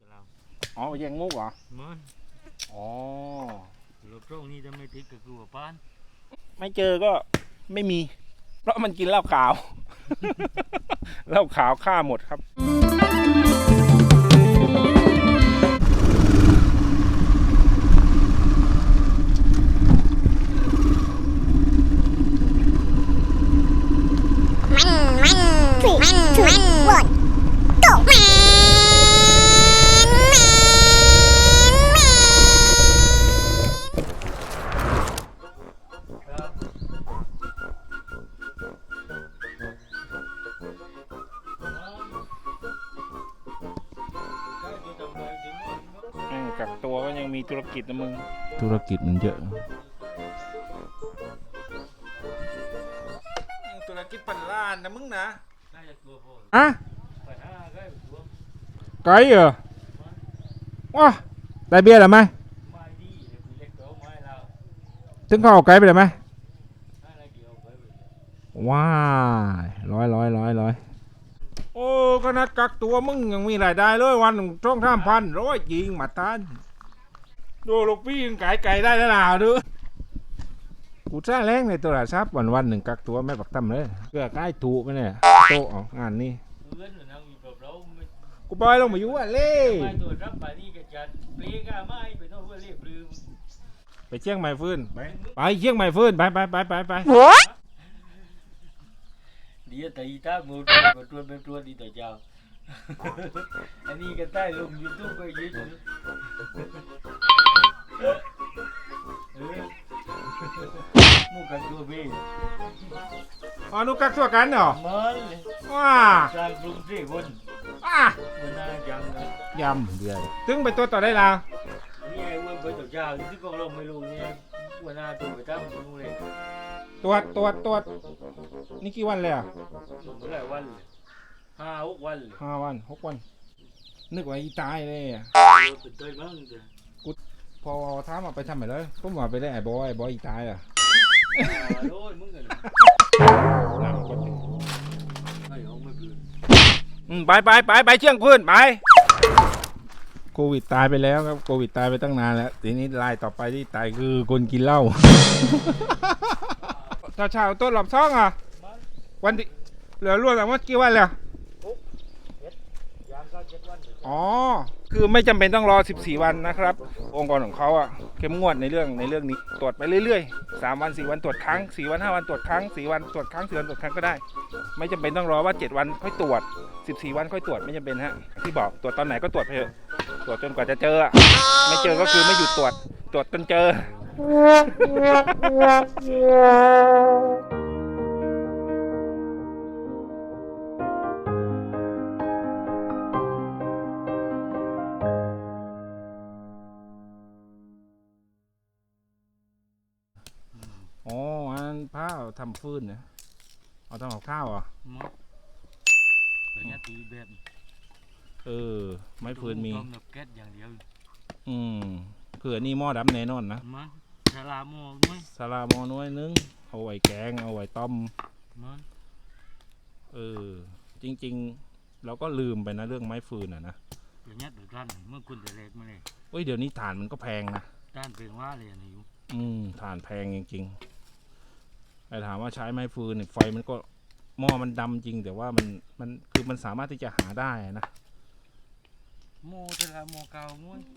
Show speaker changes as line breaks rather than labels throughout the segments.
อ๋อแยงมุกเหรอ
มัน
อ๋อ
รถตรงนี้จะไม่ติดกับกูว่าป้าน
ไม่เจอก็ไม่มี เพราะมันกินเหล้าขาว เหล้าขาวฆ่าหมดครับ กักตัวก็ยังมีธุรกิจนะมึง ธุรกิจมันเยอะ ธุรกิจพันล้านนะมึงนะ
น่าจะตัวพอ
อ่ะ
ไปหาได้ตัว
ไกลเหรอว้าได้เบี้ยหรือไม่
ไม่ดีเดี๋ยวกูเล็กตัวไม้เรา
ถึงเขาเอาไกลไปเลยไหม
อะไรเกี่ยวไป
ว้ายร้อยโอ้ขนาดกักตัวมึงยังมีรายได้เลยวันหนึ่งช่อง3,100ยิงมาตันดูลูกพี่ยังไก่ได้แล้วล่ะดูกูจ้าแรงในโทรศัพท์วันหนึ่งกักตัวไม่ปักตั้มเลยเพื่อใกล้ถูกไหมเนี่ยโตะเอางานนี้
เพื่อนหรือนั่งอยู่กับเราไม่
กูบอยลงมาอยู่อ่ะเล่
ไม่ตัวรับไปนี่ก็จะเปลี่ยนกันไม่ไปโน่นเพื่อเรียบลืม
ไปเชียงใหม่ฟื้นไปเชียงใหม่ฟื้นไป
เดี๋ยวตีตาหมดมาตัวเป็นตัวดีต่อเจ้าอันนี้ก็ใต้ลงยูทูบก็ยืดมูกันตัวพี่
อ๋อนุกักตัวกันเหรอ
มัน
ว้า
การปรุงเสียคน
ว้า
มันน่าจังนะ
ยำเดือดถึงไปตัวต่อได้แล้ว
นี่ไอ้วันไปต่อเจ้าที่ก็ลงไม่รู้เนี่ยวันหน้าตัวไปตั้งนู่นเลย
ตรวจนี่กี่วันเลยอ่ะ
เมื่อไหร่วันเลย5-6 วันเลย
5 วัน 6 วัน นึกว่าอีตายเลยอ่ะ
เป็นเตยมั้งเถอะ
พอท้ามมาไปทำไมเลยผมว่าไปได้ไอ้บอยอีตายอ่ะ
โอ้ยมึงกัน
นั่งก็ถึง
ไม่เอาไม่คืน
ไปเชียงพื้นไปโควิดตายไปแล้วครับโควิดตายไปตั้งนานแล้วทีนี้รายต่อไปที่ตายคือคนกินเหล้า เช้าต้นหลับซ่องอ่ะวันที่เหลือรวดแต่ว่ากี่วันแล้ว
ยามก็7 วัน
อ๋อคือไม่จำเป็นต้องรอ14 วันนะครับองค์กรของเขาอ่ะเข้มงวดในเรื่องนี้ตรวจไปเรื่อยๆ3 วัน 4 วันตรวจครั้ง4 วัน 5 วันตรวจครั้ง4 วันตรวจครั้ง4 วันตรวจครั้งก็ได้ไม่จำเป็นต้องรอว่า7 วันค่อยตรวจ14 วันค่อยตรวจไม่จำเป็นฮะที่บอกตรวจตอนไหนก็ตรวจไปเถอะตรวจจนกว่าจะเจอไม่เจอก็คือไม่หยุดตรวจจนเจอ อ๋ออันผ้าทำฟืนเนี่ยเอาทำกับข้าวเหรอ
มั้งเป็นยาตีแบบ
ไม้ฟืนมี
ต้มแบบแก๊สอย่างเดียว
เผื่อนี่หม้อดำแน่นอนนะ
มั้งชาลาโม่มั้ง
สลาหม้อน้อยนึงเอาไว้แกงเอาไว้ต้ม
มั้ง
จริงๆเราก็ลืมไปนะเรื่องไม้ฟืนอ่ะนะ
เป็นยาตัวด้านเมื่อคุณแต่เล็กมาเลย
เดี๋ยวนี้ถ่านมันก็แพงนะ
ด้านเป็นว่าเลยอันนี้อยู่
ถ่านแพงจริงๆแต่ถามว่าใช้ไม้ฟืนเนี่ยไฟมันก็หม้อมันดำจริงแต่ว่ามันคือมันสามารถที่จะหาได้นะ
โม่ชาลาโม่เก่ามั้ง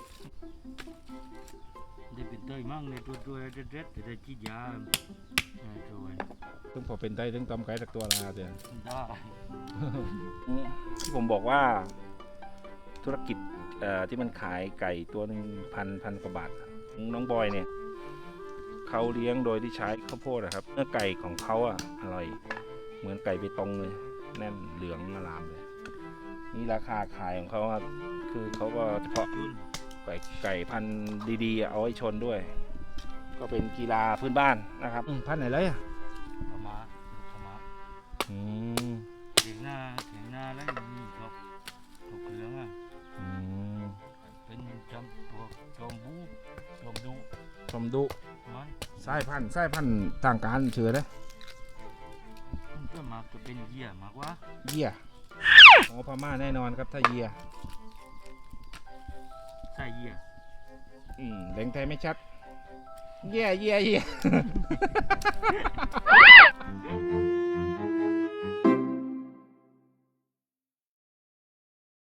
ได้เป็นเตยมั่งในตัวเด็ดแต่ได้จีดยาตัว
ต้องพอเป็นได้ต้องต้มไก่สักตัวละเดือน
ได้
ที่ผมบอกว่าธุรกิจที่มันขายไก่ตัวหนึ่งพันกว่าบาทน้องบอยเนี่ยเขาเลี้ยงโดยที่ใช้ข้าวโพดนะครับเนื้อไก่ของเขาอร่อยเหมือนไก่เบตงเลยแน่นเหลืองอลามเลยนี่ราคาขายของเขาคือเขาก็เฉพาะไก่พันธุ์ดีๆเอาไว้ชนด้วย ก็เป็นกีฬาพื้นบ้านนะครับพันธุ์ไหนเลย
ขมาเถียงหน้าแล้วมีครับตกเหลืองเป็นจำตัวจอมบูจอมดุมัน
สายพันธุ์ต่างการเชื่อเลย
เพื่อมาจะเป็นเยี่ยมากว่า
เยี่ยพม่าแน่นอนครับถ้าเยี่ย
ใต้เยี่ย
แดงไทยไม่ชัด เยี่ย